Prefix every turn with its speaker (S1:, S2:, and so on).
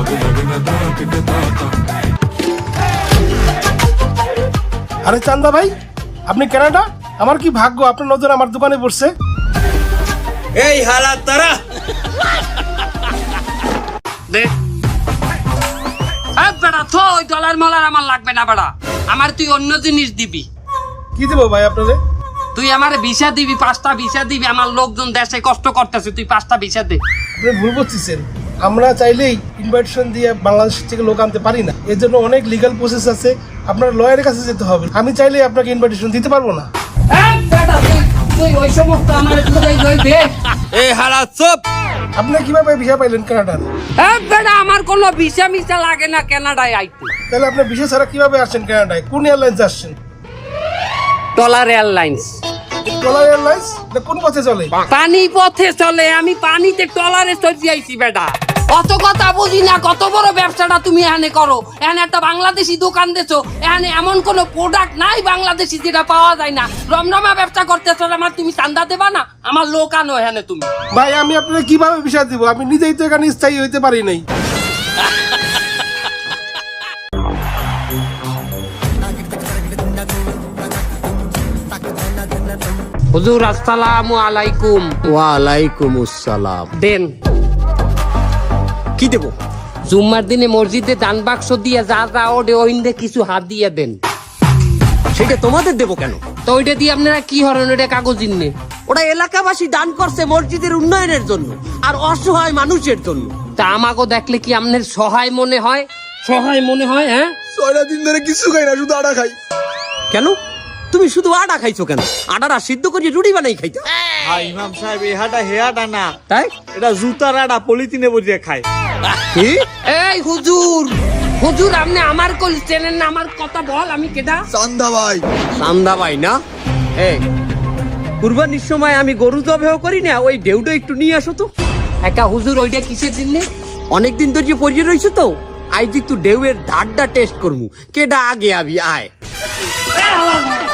S1: আরে চান্দা ভাই, আপনি কানাডা? আমার কি ভাগ্য আপনার নজর আমার দোকানে পড়ছে।
S2: এই হালা তারা
S3: দে বেড়া থো ওই ডলার মলার আমার লাগবে না বেড়া, আমার তুই অন্য জিনিস দিবি।
S1: কি দেবো ভাই আপনারে?
S3: তুই আমার ভিসা দিবি, 5টা ভিসা দিবি। আমার লোকজন দেশে কষ্ট করতেছে, তুই 5টা ভিসা দে।
S1: আপনি ভুল করতেছেন, আমরা চাইলেই ইনভাইটেশন দিয়ে বাংলাদেশ থেকে লোক আনতে পারি না। এর জন্য অনেক লিগ্যাল প্রসেস আছে, আপনার লয়ারের কাছে যেতে হবে। আমি চাইলেই আপনাকে ইনভাইটেশন দিতে পারবো না।
S3: তুই ওই সমস্ত আমার দে।
S2: এই হালা চুপ।
S1: আপনি কিভাবে ভিসা পাইলেন কানাডার?
S3: বেড়া আমার কোনো ভিসা মিসা লাগে না কানাডায় আইতে।
S1: তাহলে আপনি ভিসা ছাড়া কিভাবে আসছেন কানাডায়? কোন এয়ারলাইন্স আসছেন?
S3: Dollar airlines.
S1: ডলার এয়ারলাইন্স কোন পথে চলে?
S3: পানি পথে চলে, আমি পানিতে ট্রলারে চড়ে আইছি বেটা। অত কথা বুঝি না, কত বড় ব্যবসাটা তুমি এখানে করো। এখানে একটা বাংলাদেশি দোকান দিছো, এখানে এমন কোনো প্রোডাক্ট নাই বাংলাদেশি যেটা পাওয়া যায় না। রমরমা ব্যবসা করতেছো, আমার তুমি চান্দা দেবা না? আমার লোক আনো এখানে তুমি।
S1: ভাই আমি আপনাকে কিভাবে ভিসা দিব? আমি নিজেই তো এখানে স্থায়ী হইতে পারি নাই।
S3: হুজুর আসসালামু আলাইকুম।
S4: ওয়ালাইকুম আসসালাম।
S3: দেন
S4: কি দেব?
S3: জুম্মার দিনে মসজিদে দান বাক্স দিয়ে যা যা ওডে ওইন্দে কিছু হাত দিয়ে দেন।
S4: সেটা তোমাদের দেব কেন?
S3: তো ওইটা দিয়ে আপনারা কি হরেন? ওইটা কাগজ ইন্নে।
S4: ওরা এলাকাবাসী দান করছে মসজিদের উন্নয়নের জন্য আর অসহায় মানুষের জন্য।
S3: তা আমাকে দেখলে কি আপনার সহায় মনে হয়? সহায় মনে হয়? হ্যাঁ,
S5: 6 দিন ধরে কিছু খাই না, শুধু আটা খাই।
S4: কেন তুমি শুধু আটা খাইছো কেন? আটাটা সিদ্ধ করে রুটি বানাই খাইতো।
S5: ভাই ইমাম সাহেব, এই হাটা হেয়াটা না,
S4: তাই
S5: এটা জুতার আটা পলিথিনে বসিয়ে খায়।
S4: কি?
S3: এই হুজুর, হুজুর আপনি আমার কল চেনেন না? আমার কথা বল, আমি কেডা?
S5: চান্দা ভাই।
S4: চান্দা ভাই না? এই কুরবানির সময় আমি গরু জবেহ করি না, ওই ঢেউটা একটু নিয়ে আসো তো।
S3: একা হুজুর ওইটা কিসের দিনে?
S4: অনেকদিন ধরে পড়িয়ে রয়েছে তো, আজ একটু ঢেউয়ের ধারটা টেস্ট করমু। কেডা আগে আবি আয়।